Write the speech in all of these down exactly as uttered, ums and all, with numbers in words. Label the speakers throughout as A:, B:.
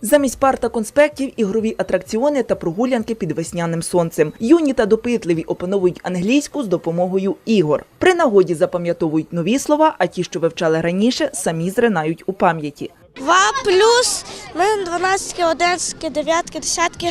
A: Замість пар та конспектів – ігрові атракціони та прогулянки під весняним сонцем. Юні та допитливі опановують англійську з допомогою ігор. При нагоді запам'ятовують нові слова, а ті, що вивчали раніше, самі зринають у пам'яті.
B: Два плюс, в мене дванадцятки, одинадцятки, дев'ятки, десятки.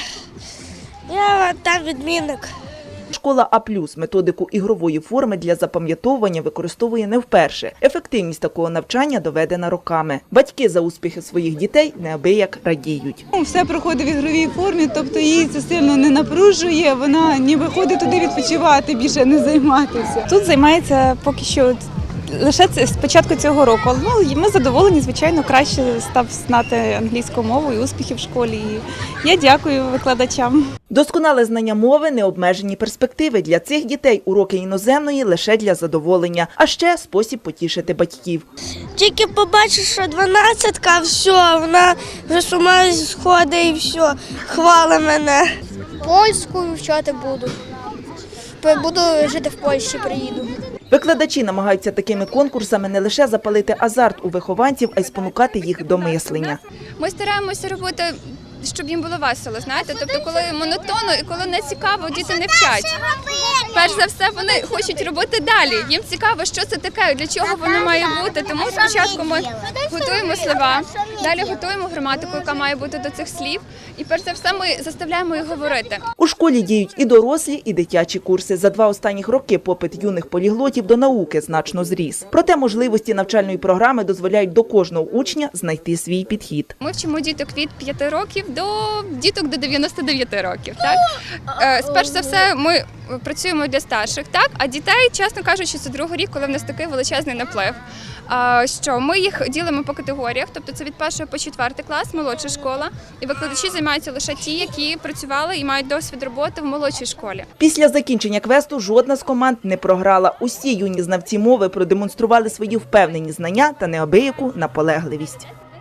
B: Я там відмінник.
A: Школа А плюс методику ігрової форми для запам'ятовування використовує не вперше. Ефективність такого навчання доведена роками. Батьки за успіхи своїх дітей неабияк радіють.
C: Все проходить в ігровій формі, тобто її це сильно не напружує, вона ніби ходить туди відпочивати, більше не займатися.
D: Тут займається поки що лише з початку цього року. Ну, ми задоволені, звичайно, краще став знати англійську мову і успіхи в школі. І я дякую викладачам.
A: Досконале знання мови – необмежені перспективи. Для цих дітей уроки іноземної лише для задоволення, а ще спосіб потішити батьків.
B: Тільки побачиш, що дванадцятка, все, вона вже з ума сходить і все, хвала мене.
E: Польську вивчати буду. Буду жити в Польщі, приїду.
A: Викладачі намагаються такими конкурсами не лише запалити азарт у вихованців, а й спонукати їх до мислення.
F: Ми стараємося робити, щоб їм було весело, знаєте, тобто коли монотонно і коли не цікаво, діти не вчать. Перш за все, вони хочуть робити далі. Їм цікаво, що це таке, для чого воно має бути. Тому спочатку ми готуємо слова, далі готуємо граматику, яка має бути до цих слів. І перш за все ми заставляємо їх говорити.
A: У школі діють і дорослі, і дитячі курси. За два останніх роки попит юних поліглотів до науки значно зріс. Проте можливості навчальної програми дозволяють до кожного учня знайти свій підхід.
F: Ми вчимо діток від п'яти років до діток до дев'яноста дев'яти років. Так? Спершу за все ми працюємо для старших, так? А дітей, чесно кажучи, це другий рік, коли в нас такий величезний наплив. Що ми їх ділимо по категоріях, тобто це від першого по четвертий клас, молодша школа, і викладачі займаються лише ті, які працювали і мають досвід роботи в молодшій школі.
A: Після закінчення квесту жодна з команд не програла. Усі юні знавці мови продемонстрували свої впевнені знання та неабияку наполегливість.